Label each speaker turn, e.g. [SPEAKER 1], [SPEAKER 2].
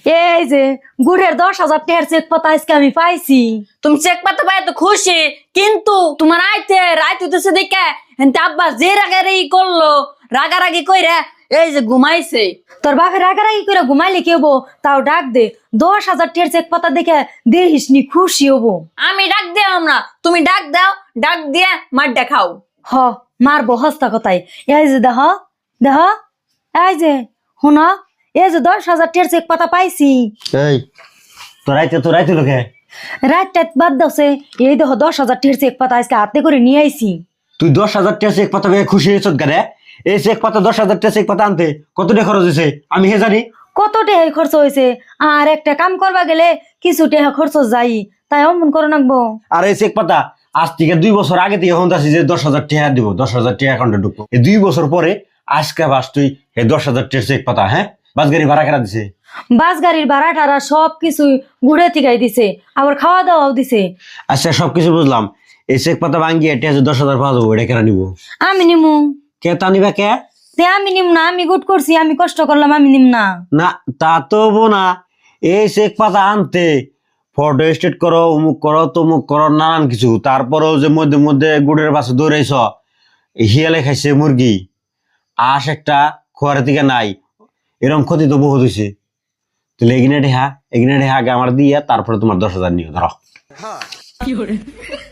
[SPEAKER 1] এই যে গুড়ের 10,000 টাকার চেক পাতা আজকে আমি পাইছি।
[SPEAKER 2] তুমি চেক পাতা পাই তো খুশি, কিন্তু তোমার আইতে রাইত হইতেছে দেখে এনতে আব্বা যে রাগারাগি করলো, রাগারাগি কইরা এই যে ঘুমাইছে।
[SPEAKER 1] তোর বাপের রাগারাগি করে ঘুমাইলে কি হবো? তাও ডাক দে, 10,000 টাকার চেক পাতা দেখে দেখিস নি খুশি হবো।
[SPEAKER 2] আমি ডাক দিও না, তুমি ডাক দাও, ডাক দিয়া মারটা খাও।
[SPEAKER 1] হ মারবো হস্তা কথাই। এই যে দেহ দেহ, এই যে শুন, এই যে 10,000 টাকার চেক পাতা পাইছি।
[SPEAKER 3] এই তোরাইতে লোকে
[SPEAKER 1] রাত টাত বাদ দাওছে, এই দেখো 10,000 টাকার চেক পাতা আজকে হাতে করে নিয়ে আইছি।
[SPEAKER 3] তুই 10,000 টাকা চেক পাতা পেয়ে খুশি হয়েছ গারে? এই চেক পাতা 10,000 টাকা চেক পাতা আনতে কত টাকা খরচ হয়েছে আমি হে জানি।
[SPEAKER 1] কত টাকা খরচ হয়েছে, আর একটা কাম করবা গেলে কিছু টাকা খরচ যাই, তাই অমন করে নাকবো।
[SPEAKER 3] আর এই চেক পাতা আজ থেকে 2 বছর আগে থেকে এখন আসি যে 10,000 টাকা দিব, 10,000 টাকা অ্যাকাউন্টে ঢুকবো। এই 2 বছর পরে আজকে বাস তুই এই 10,000 টাকা চেক পাতা, হ্যাঁ বাস গাড়ি ভাড়া কেনা দিছে?
[SPEAKER 1] বাস গাড়ির ভাড়া টাড়া সব কিছু ঘুরে থিকাই দিছে, আবার খাওয়া দাওয়াও দিছে।
[SPEAKER 3] আচ্ছা সবকিছু বুঝলাম, এই চেক পাতা ভাঙ্গিয়ে এটা যে 10,000 পাওয়া যাবো, এটা কেনা নিবো?
[SPEAKER 1] আমি নিমু।
[SPEAKER 3] কে তা নিবা কে?
[SPEAKER 1] তে আমি নিম না, আমি গুড করছি, আমি কষ্ট করলাম, আমি নিম না।
[SPEAKER 3] না তা তো হবো না। এই চেক পাতা আনতে ফটো স্টেট করো, অমুক করো, তমুক করো, নানান কিছু। তারপরেও যে মধ্যে মধ্যে গুড়ের পাশে দৌড়াইছ, হিয়ালে খাইছে মুরগি, আশ একটা খোয়ারের দিকে নাই, এরকম ক্ষতি তো বহুত হয়েছে। তাহলে এগিনে ঢেহা আগে আমার দিয়ে তারপরে তোমার 10,000 নিও ধরো।